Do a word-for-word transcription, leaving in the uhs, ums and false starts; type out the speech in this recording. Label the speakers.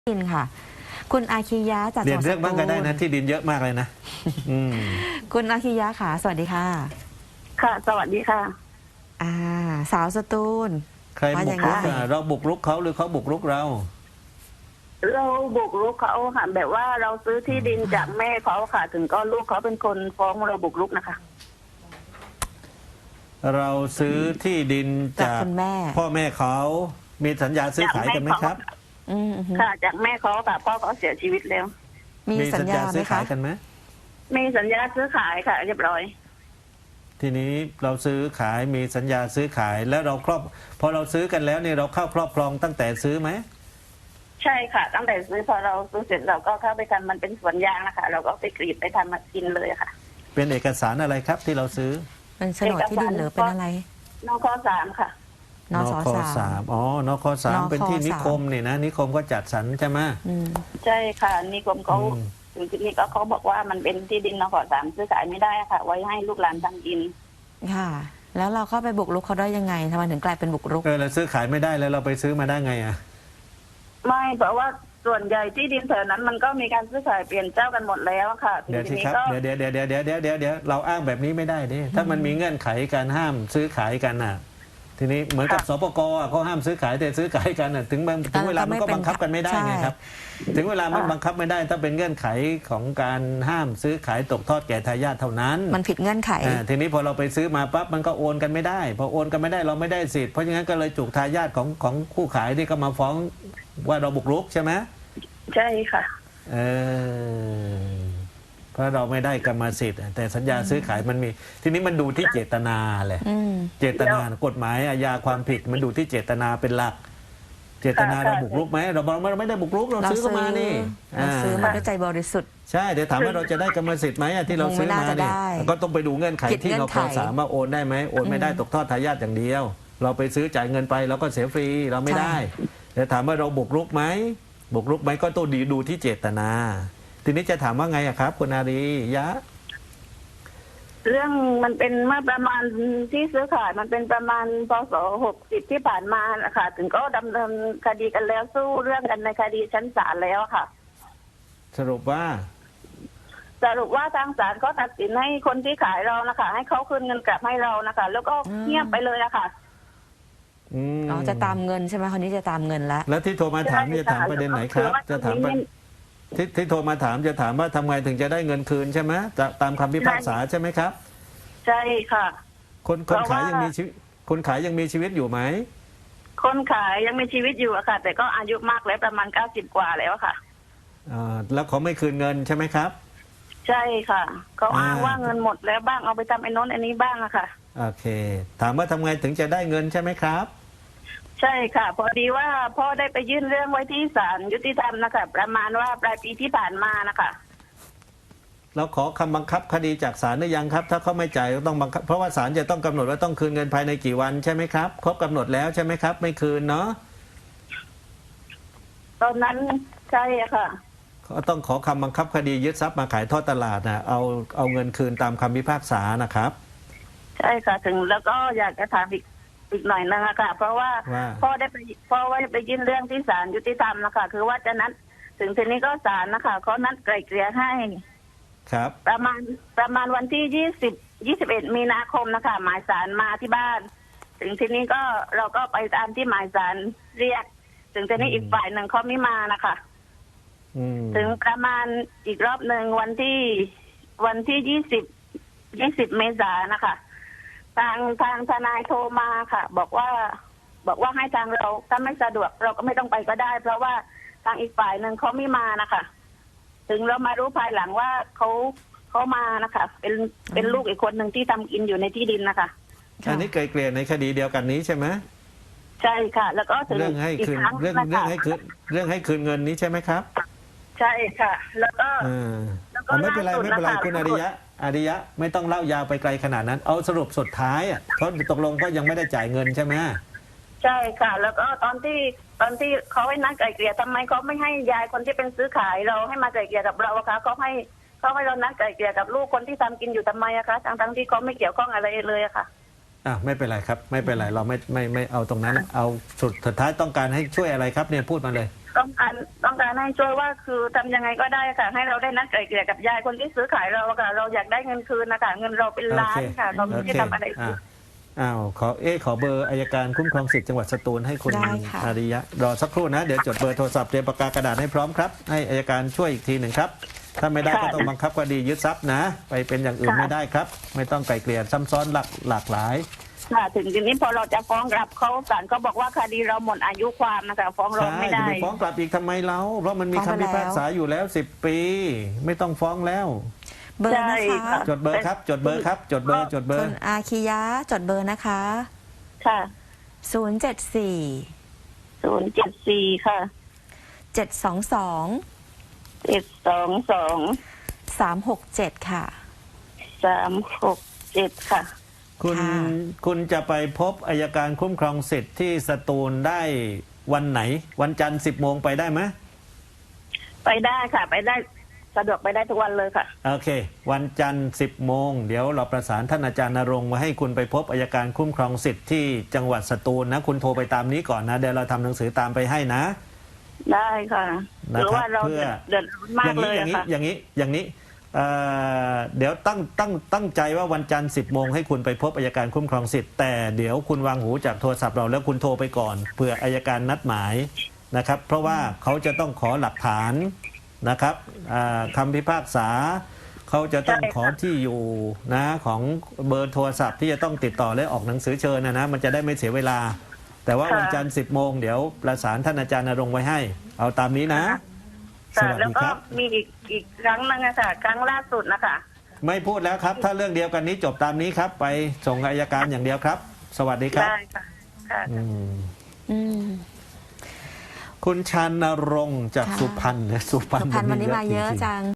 Speaker 1: ดินค่ะคุณอาคิยะจาก
Speaker 2: เรียนเรื่องบ้างก็ได้นะที่ดินเยอะมากเลยนะอืม
Speaker 1: คุณอาคิยะค่ะสวัสดีค่ะ
Speaker 3: ค่ะสวัสดีค่ะ
Speaker 1: อ่าสาวสตูล
Speaker 2: ใครบุกรุกอ่ะเราบุกรุกเขาหรือเขาบุกรุกเรา
Speaker 3: เราบุกรุกเขาค่ะแบบว่าเราซื้อที่ดินจากแม่เขาค่ะ ถึงก็ลูกเขาเป็นคนฟ้องเราบุกรุกนะคะ
Speaker 2: เราซื้อที่ดินจาก
Speaker 1: คุณแม่
Speaker 2: พ่อแม่เขามีสัญญาซื้อขายกันไหมครับ
Speaker 1: อืม
Speaker 3: ค่ะจากแม่เขาค่ะพ่อเขาเสียชีวิตแล้ว
Speaker 1: มีสัญญา
Speaker 2: ซื้อ
Speaker 1: ไหมคะ
Speaker 2: ขายกันไหม
Speaker 3: มีสัญญาซื้อขายค่ะเรียบร้อย
Speaker 2: ทีนี้เราซื้อขายมีสัญญาซื้อขายแล้วเราครอบพอเราซื้อกันแล้วเนี่ยเราเข้าครอบครองตั้งแต่ซื้อไหม
Speaker 3: ใช่ค่ะตั้งแต่ซื้อพอเราซื้อเสร็จเราก็เข้าไปทำมันเป็นสวนยางนะคะเราก็ไปกรีดไปทำมากินเลยค่ะ
Speaker 2: เป็นเอกสารอะไรครับที่เราซื้อ
Speaker 1: เป็นโฉนดที่ดินหรือเป็นอะไร
Speaker 3: นคสามค่ะ
Speaker 1: นส
Speaker 2: สามอ๋อนคสามเป็นที่นิคมนี่นะนิคมก็จัดสรรใช่ไหม
Speaker 3: ใช่ค่ะนิคมเขาถึงที่นี้ก็เขาบอกว่ามันเป็นที่ดินนคสามซื้อขายไม่ได้ค่ะไว้ให้ลูกหลานทำกิน
Speaker 1: ค่ะแล้วเราเข้าไปบุกรุกเขาได้ยังไงทำไมถึงกลายเป็นบุกรุก
Speaker 2: เออเราซื้อขายไม่ได้แล้วเราไปซื้อมาได้ไงอ่ะ
Speaker 3: ไม่เพราะว่าส่วนใหญ่ที่ดินแถวนั้นมันก็มีการซื้อขายเปลี่ยนเจ้ากันหมดแล้วค่ะ
Speaker 2: เดี๋ยวทีครับเดี๋ยวเดี๋ยวเดี๋ยวเดี๋ยวเดี๋ยวเดี๋ยวเดี๋ยวเดี๋ยวเราอ้างแบบนี้ไม่ได้ดิถ้ามันมีเงื่อนไขการห้ามซื้อขายกันน่ะทีนี้เหมือนกับสปกเขาห้ามซื้อขายแต่ซื้อขายกันน่ะถึงถึงเวลามันก็บังคับกันไม่ได้ไงครับถึงเวลามันบังคับไม่ได้ถ้าเป็นเงื่อนไขของการห้ามซื้อขายตกทอดแก่ทายาทเท่านั้น
Speaker 1: มันผิดเงื่อนไข
Speaker 2: ทีนี้พอเราไปซื้อมาปั๊บมันก็โอนกันไม่ได้พอโอนกันไม่ได้เราไม่ได้สิทธิ์เพราะฉะนั้นก็เลยจุกทายาทของของผู้ขายที่ก็มาฟ้องว่าเราบุกรุกใช่ไหม
Speaker 3: ใช่ค่ะ
Speaker 2: เออเพราะเราไม่ได้กรรมสิทธิ์แต่สัญญาซื้อขายมันมีทีนี้มันดูที่เจตนาแหละเจตนากฎหมายอาญาความผิดมันดูที่เจตนาเป็นหลักเจตนาเราบุกรุกไหมเราบอกเราไม่ได้บุกรุกเราซื้อมานี่
Speaker 1: เราซื้อมาด้วยใจบริสุทธิ์
Speaker 2: ใช่แต่ถามว่าเราจะได้กรรมสิทธิ์ไหมที่เราซื้อมาเนี่ยก็ต้องไปดูเงื่อนไขที่เราขอสามารถโอนได้ไหมโอนไม่ได้ตกทอดทายาทอย่างเดียวเราไปซื้อจ่ายเงินไปเราก็เสียฟรีเราไม่ได้แต่ถามว่าเราบุกรุกไหมบุกรุกไหมก็ต้องดีดูที่เจตนาทีนี้จะถามว่าไงอะครับคุณอารียะ
Speaker 3: เรื่องมันเป็นเมื่อประมาณที่ซื้อขายมันเป็นประมาณพศหกสิบที่ผ่านมาค่ะถึงก็ดำเนินคดีกันแล้วสู้เรื่องกันในคดีชั้นศาลแล้วค่ะ
Speaker 2: สรุปว่า
Speaker 3: สรุปว่าทางศาลก็ตัดสินให้คนที่ขายเรานะคะให้เขาคืนเงินกลับให้เรานะคะแล้วก็เงียบไปเลยอะค่ะ
Speaker 1: อ๋อจะตามเงินใช่ไหมคนนี้จะตามเงินแล้ว
Speaker 2: แล้วที่โทรมาถามจะถามประเด็นไหนครับจะถามที่ที่โทรมาถามจะถามว่าทำไงถึงจะได้เงินคืนใช่ไหมจะตามคำพิพากษาใช่ไหมครับ
Speaker 3: ใช่ค่ะ
Speaker 2: คนคนขายยังมีชีวิตคนขายยังมีชีวิตอยู่ไหม
Speaker 3: คนขายยังมีชีวิตอยู่อะค่ะแต่ก็อายุมากแล้วประมาณเก้าสิบกว่าแล้วค่ะ
Speaker 2: อ่าแล้วเขาไม่คืนเงินใช่ไหมครับ
Speaker 3: ใช่ค่ะเขาอ้างว่าเงินหมดแล้วบ้างเอาไปทำไอ้น้นไอ้นี้บ้างอะค่ะ
Speaker 2: โอเคถามว่าทำไงถึงจะได้เงินใช่ไหมครับ
Speaker 3: ใช่ค่ะพอดีว่าพ่อได้ไปยื่นเรื่องไว้ที่ศาลยุติธรรมนะคะประมาณว่าปลายปีที่ผ่านมานะคะ
Speaker 2: เราขอคำบังคับคดีจากศาลหรือยังครับถ้าเขาไม่จ่ายก็ต้องบังคับเพราะว่าศาลจะต้องกำหนดว่าต้องคืนเงินภายในกี่วันใช่ไหมครับครบกำหนดแล้วใช่ไหมครับไม่คืนเนาะ
Speaker 3: ตอนนั้นใช่ค่ะ
Speaker 2: ก็ต้องขอคำบังคับคดียึดทรัพย์มาขายทอดตลาดนะเอาเอาเงินคืนตามคำพิพากษานะครับ
Speaker 3: ใช่ค่ะถึงแล้วก็อยากจะถามอีกอีกหน่อยนึงค่ะเพราะว่าพ่อได้ไปพ่อว่าไปยื่นเรื่องที่ศาลยุติธรรมนะคะคือว่าจะนัดถึงทีนี้ก็ศาลนะคะเขานัดไกล่เกลี่ยให้
Speaker 2: ครับ
Speaker 3: ประมาณประมาณวันที่ยี่สิบยี่สิบเอ็ดมีนาคมนะคะหมายศาลมาที่บ้านถึงทีนี้ก็เราก็ไปตามที่หมายศาลเรียกถึงทีนี้อีกฝ่ายหนึ่งเขาไม่มานะคะถึงประมาณอีกรอบหนึ่งวันที่วันที่ยี่สิบยี่สิบเมษายนนะคะทางทางทนายโทรมาค่ะ บอกว่าบอกว่าให้ทางเราถ้าไม่สะดวกเราก็ไม่ต้องไปก็ได้เพราะว่าทางอีกฝ่ายหนึ่งเขาไม่มานะคะถึงเรามารู้ภายหลังว่าเขาเขามานะคะเป็นเป็นลูกอีกคนหนึ่งที่ทำกินอยู่ในที่ดินนะคะ
Speaker 2: อันนี้ไกลเกลี่ยในคดีเดียวกันนี้ใช่ไหม
Speaker 3: ใช่ค่ะแล้วก็ถึง
Speaker 2: เรื่องให้คืนเรื่องเรื่องให้คืนเรื่องให้คืนเงินนี้ใช่ไหมครับ
Speaker 3: ใช่ค่ะแล้วก็
Speaker 2: ไม่เป็นไรไม่เป็นไรคุณอาริยะอาริยะไม่ต้องเล่ายาวไปไกลขนาดนั้นเอาสรุปสุดท้ายอ่ะเขาตกลงก็ยังไม่ได้จ่ายเงินใช่ไหม
Speaker 3: ใช่ค่ะแล้วก็ตอนที่ตอนที่เขาให้นัดไกล่เกลี่ยทำไมเขาไม่ให้ยายคนที่เป็นซื้อขายเราให้มาไกล่เกลี่ยกับเราอะคะเขาให้เขาให้เรานัดไกล่เกลี่ยกับลูกคนที่ทำกินอยู่ทำไมอะคะทั้งทั้งที่เขาไม่เกี่ยวข้องอะไรเลยอะค่ะ
Speaker 2: อ่ะไม่เป็นไรครับไม่เป็นไรเราไม่ไม่ไม่เอาตรงนั้นเอาสุดสุดท้ายต้องการให้ช่วยอะไรครับเนี่ยพูดมาเลย
Speaker 3: ต้องการต้องการให้ช่วยว่าคือทำยังไงก็ได้ค่ะ ให้เราได้นัดไกล่เกลี่ยกับยายคนที่ซื้อขายเราค่ะ เราอยากได้เงินคืนนะคะเงินเราเป็นล้านค่ะ เราไม่
Speaker 2: โอ
Speaker 3: ได้
Speaker 2: เค
Speaker 3: ทำอะไรผิ
Speaker 2: อ่ะ
Speaker 3: ด
Speaker 2: อ้าวขอเอ๊ะขอเบอร์อายการคุ้มครองสิทธิ์จังหวัดสตูลให้คุณ
Speaker 1: ได้ค่ะ
Speaker 2: อาริยะรอสักครู่นะ เดี๋ยวจดเบอร์โทรศัพท์เตรียมปากกากระดาษให้พร้อมครับ ให้อายการช่วยอีกทีหนึ่งครับ ถ้าไม่ได้
Speaker 3: ค่ะ
Speaker 2: ก็ต้องบังคับคดียึดทรัพย์นะ ไปเป็นอย่างอื่น
Speaker 3: ค่ะ
Speaker 2: ไม่ได้ครับ ไม่ต้องไกลเกลี่ยซ้ำซ้อนหลากหลากหลาย
Speaker 3: ค่ะถึงทีนี้พอเราจะฟ้องกลับเขาศาลก็บอกว่าคดีเราหมดอายุความนะคะ ฟ้องร้อง
Speaker 2: ใช่
Speaker 3: ไม่
Speaker 2: จะ
Speaker 3: ได้
Speaker 2: ไปฟ้องกลับอีกทำไมเราเพราะมันมี
Speaker 1: ฟ้อง
Speaker 2: คำ
Speaker 1: ไป
Speaker 2: พิพากษาอยู่แล้วสิบปี ไม่ต้องฟ้องแล้ว
Speaker 1: เบอร์นะ
Speaker 3: ใช่
Speaker 1: คะ
Speaker 3: ค่ะ
Speaker 2: จดเบอร์ครับ จดเบอร์ครับ จดเบอร์จดเบอ
Speaker 1: คุ
Speaker 2: ร์
Speaker 1: ณอาคิยะจดเบอร์นะคะ
Speaker 3: ค่ะ
Speaker 1: ศูนย์ เจ็ด สี่
Speaker 3: ศูนย์เจ็ดสี่ค่ะ
Speaker 1: เจ็ด สอง สอง
Speaker 3: เจ็ดสองสอง
Speaker 1: สาม หก เจ็ด ค่ะ
Speaker 3: สามหกเจ็ดค่ะ
Speaker 2: คุณ
Speaker 1: ค่ะ
Speaker 2: คุณจะไปพบอายการคุ้มครองสิทธิ์ที่สตูลได้วันไหน วันจันทร์สิบโมงไปได้ไหม
Speaker 3: ไปได้ค่ะ ไปได้สะดวกไปได้ทุกวันเลยค่ะ
Speaker 2: โอเค วันจันทร์สิบโมงเดี๋ยวเราประสานท่านอาจารย์ณรงค์มาให้คุณไปพบอายการคุ้มครองสิทธิ์ที่จังหวัดสตูลนะ คุณโทรไปตามนี้ก่อนนะ เดี๋ยวเราทำหนังสือตามไปให้นะ
Speaker 3: ได้ค่ะ
Speaker 2: นะ
Speaker 3: หรือ
Speaker 2: ครับ
Speaker 3: ว่าเรา
Speaker 2: เพื่อ
Speaker 3: เดือดร้อนมากเลย
Speaker 2: อย่าง
Speaker 3: อะ
Speaker 2: นี้
Speaker 3: ค่ะ
Speaker 2: อย่างนี้อย่างนี้เอ่อเดี๋ยวตั้งตั้งตั้งใจว่าวันจันทร์สิบโมงให้คุณไปพบอายการคุ้มครองสิทธิ์แต่เดี๋ยวคุณวางหูจากโทรศัพท์เราแล้วคุณโทรไปก่อนเผื่ออายการนัดหมายนะครับ เพราะว่าเขาจะต้องขอหลักฐานนะครับอ่าคำพิพากษาเขาจะต้อง
Speaker 3: ใช่ค่ะ
Speaker 2: ขอที่อยู่นะของเบอร์โทรศัพท์ที่จะต้องติดต่อและออกหนังสือเชิญนะนะมันจะได้ไม่เสียเวลา แต่ว่าวันจันทร์สิบโมงเดี๋ยวประสานท่านอาจารย์ณรงค์ไว้ให้ เอาตามนี้นะ ส
Speaker 3: ค่ะ
Speaker 2: วัส
Speaker 3: แล้ว
Speaker 2: ดี
Speaker 3: ก็
Speaker 2: ครับ
Speaker 3: มีอีกอีกครั้งนึงอะค่ะ ครั้งล่าสุดนะคะ
Speaker 2: ไม่พูดแล้วครับ ถ้าเรื่องเดียวกันนี้จบตามนี้ครับ ไปส่งอายการอย่างเดียวครับ สวัสดีครับ
Speaker 3: ได้ค่ะค่ะ
Speaker 2: อืม
Speaker 1: อืม
Speaker 2: คุณชานรงค์จาก
Speaker 1: ค่ะ
Speaker 2: สุพรรณนะสุพรรณ
Speaker 1: สุพรรณวันนี้มาเยอะ
Speaker 2: จริงๆ
Speaker 1: จัง